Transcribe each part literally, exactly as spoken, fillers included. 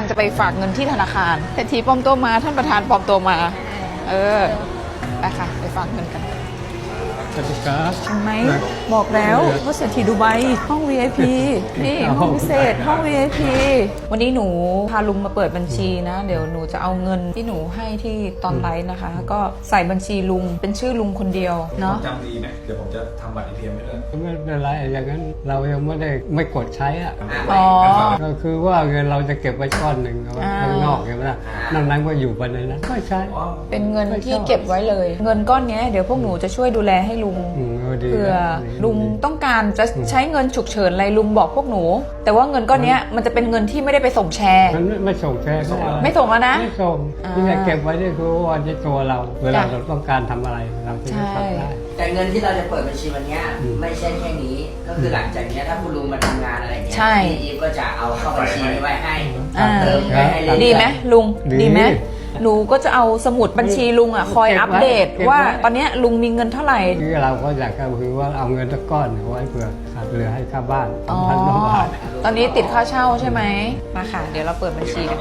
จะไปฝากเงินที่ธนาคารเศรษฐีปลอมตัวมาท่านประธานปลอมตัวมาเออไปค่ะไปฝากเงินกันสวัสดีครับเห็นไหมบอกแล้วว่าเศรษฐีดูไบห้อง วี ไอ พี นี่ห้องพิเศษห้อง วี ไอ พี วันนี้หนูพาลุงมาเปิดบัญชีนะเดี๋ยวหนูจะเอาเงินที่หนูให้ที่ตอนไลฟ์นะคะก็ใส่บัญชีลุงเป็นชื่อลุงคนเดียวเนาะจำดีไหมเดี๋ยวผมจะทำบัตร เอ ที เอ็ม ไว้เลยไม่เป็นไรอย่างนั้นเรายังไม่ได้ไม่กดใช้อ่ะอ๋อก็คือว่าเงินเราจะเก็บไว้ก้อนหนึ่งเอาไว้ข้างนอกใช่ไหมล่ะนั่นนั้นก็อยู่ไปในนั้นไม่ใช่เป็นเงินที่เก็บไว้เลยเงินก้อนนี้เดี๋ยวพวกหนูจะช่วยดูแลให้ลุงเผื่อลุงต้องการจะใช้เงินฉุกเฉินอะไรลุงบอกพวกหนูแต่ว่าเงินก้อนนี้มันจะเป็นเงินที่ไม่ได้ไปส่งแชร์มันไม่ส่งแชร์ไม่ส่งแล้วนะไม่ส่งที่จะเก็บไว้นี่คือวันที่ตัวเราเวลาเราต้องการทำอะไรเราจะทำได้แต่เงินที่เราจะเปิดบัญชีวันนี้ไม่ใช่แค่นี้ก็คือหลังจากนี้ถ้าคุณลุงมาทำงานอะไรเงี้ยพี่อีฟก็จะเอาเข้าบัญชีนี้ไว้ให้เติมไว้ให้เลยดีไหมลุงดีไหมหนูก็จะเอาสมุดบัญชีลุงอ่ะคอยอัปเดตว่าตอนนี้ลุงมีเงินเท่าไหร่ที่เราก็อยากก็คือว่าเอาเงินสักก้อนไว้เผื่อขาดเหลือให้ค่าบ้านพันบาทตอนนี้ติดค่าเช่าใช่ไหมมาค่ะเดี๋ยวเราเปิดบัญชีกัน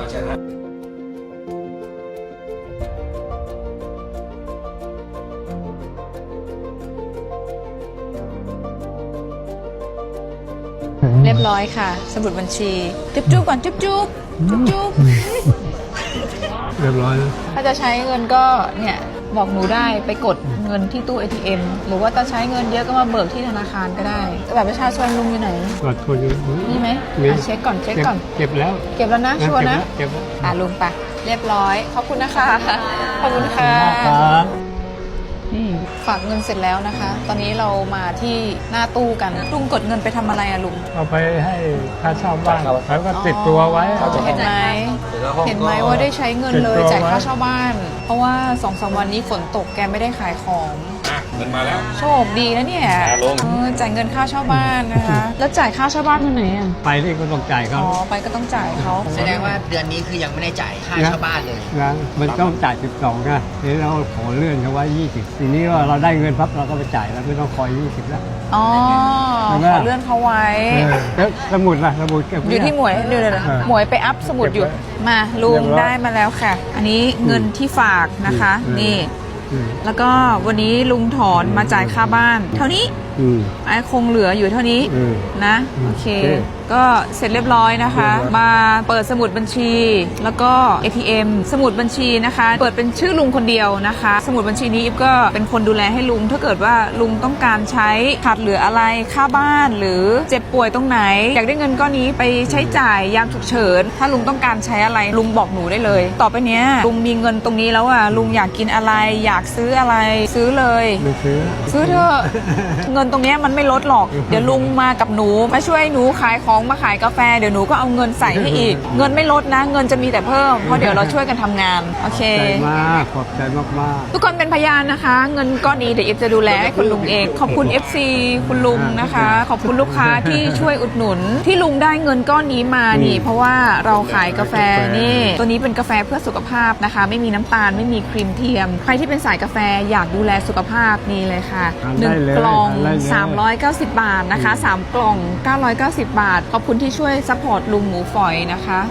เรียบร้อยค่ะสมุดบัญชีจุ๊บจุ๊บก่อนจุ๊บจุ๊บจุ๊บจุ๊บเรียบร้อยแล้วถ้าจะใช้เงินก็เนี่ยบอกหนูได้ไปกดเงินที่ตู้ เอ ที เอ็ม หรือว่าจะใช้เงินเยอะก็มาเบิกที่ธนาคารก็ได้แต่แบบประชาชนลุงอยู่ไหนบัตรคนอยู่นี่ไหมเช็คก่อนเช็คก่อนเก็บแล้วเก็บแล้วนะชัวร์นะเก็บแล้วอ่ะลุงไปเรียบร้อยขอบคุณนะคะขอบคุณค่ะนี่ฝากเงินเสร็จแล้วนะคะตอนนี้เรามาที่หน้าตู้กันลุงกดเงินไปทำอะไรอะลุงเอาไปให้ค่าเช่าบ้านแล้วก็ติดตัวไว้เห็นไหมเห็นไหมว่าได้ใช้เงินเลยจ่ายค่าเช่าบ้านเพราะว่าสองสามวันนี้ฝนตกแกไม่ได้ขายของเงินมาแล้วโชคดีนะเนี่ยจ่ายเงินค่าเช่าบ้านนะคะแล้วจ่ายค่าเช่าบ้านที่ไหนอ่ะไปที่ก็ต้องจ่ายเขาอ๋อไปก็ต้องจ่ายเขาแสดงว่าเดือนนี้คือยังไม่ได้จ่ายค่าเช่าบ้านเลยนะมันต้องจ่ายสิบสองนะทีนี้เราขอเลื่อนเขาไว้ยี่สิบทีนี้ว่าเราได้เงินปั๊บเราก็ไปจ่ายแล้วไม่ต้องคอยยี่สิบแล้วอ๋อขอเลื่อนเขาไว้แล้วสมุดล่ะสมุดเก็บอยู่ที่หมวยเดี๋ยวหมวยไปอัพสมุดอยู่มาลุงได้มาแล้วค่ะอันนี้เงินที่ฝากนะคะนี่แล้วก็วันนี้ลุงถอนมาจ่ายค่าบ้านเท่านี้ไอ้คงเหลืออยู่เท่านี้นะโอเคก็เสร็จเรียบร้อยนะคะมาเปิดสมุดบัญชีแล้วก็ เอ ที เอ็ม สมุดบัญชีนะคะเปิดเป็นชื่อลุงคนเดียวนะคะสมุดบัญชีนี้อิฟก็เป็นคนดูแลให้ลุงถ้าเกิดว่าลุงต้องการใช้ขาดเหลืออะไรค่าบ้านหรือเจ็บป่วยตรงไหนอยากได้เงินก้อนนี้ไปใช้จ่ายยามฉุกเฉินถ้าลุงต้องการใช้อะไรลุงบอกหนูได้เลยต่อไปเนี้ยลุงมีเงินตรงนี้แล้วอ่ะลุงอยากกินอะไรอยากซื้ออะไรซื้อเลยซื้อซื้อเถอะเงินตรงนี้มันไม่ลดหรอกเดี๋ยวลุงมากับหนูมาช่วยหนูขายของมาขายกาแฟเดี๋ยวหนูก็เอาเงินใส่ให้อีกเงินไม่ลดนะเงินจะมีแต่เพิ่มเพราะเดี๋ยวเราช่วยกันทำงานโอเคขอบใจมากขอบใจมากๆทุกคนเป็นพยานนะคะเงินก้อนนี้เดี๋ยวเอฟจะดูแลให้คุณลุงเองขอบคุณ เอฟ ซี คุณลุงนะคะขอบคุณลูกค้าที่ช่วยอุดหนุนที่ลุงได้เงินก้อนนี้มานี่เพราะว่าเราขายกาแฟนี่ตัวนี้เป็นกาแฟเพื่อสุขภาพนะคะไม่มีน้ำตาลไม่มีครีมเทียมใครที่เป็นสายกาแฟอยากดูแลสุขภาพนี่เลยค่ะหนึ่งกล่องสามร้อยเก้าสิบบาทนะคะสามกล่องเก้าร้อยเก้าสิบบาทขอบคุณที่ช่วยซัพพอร์ตลุงหมูฝอยนะคะ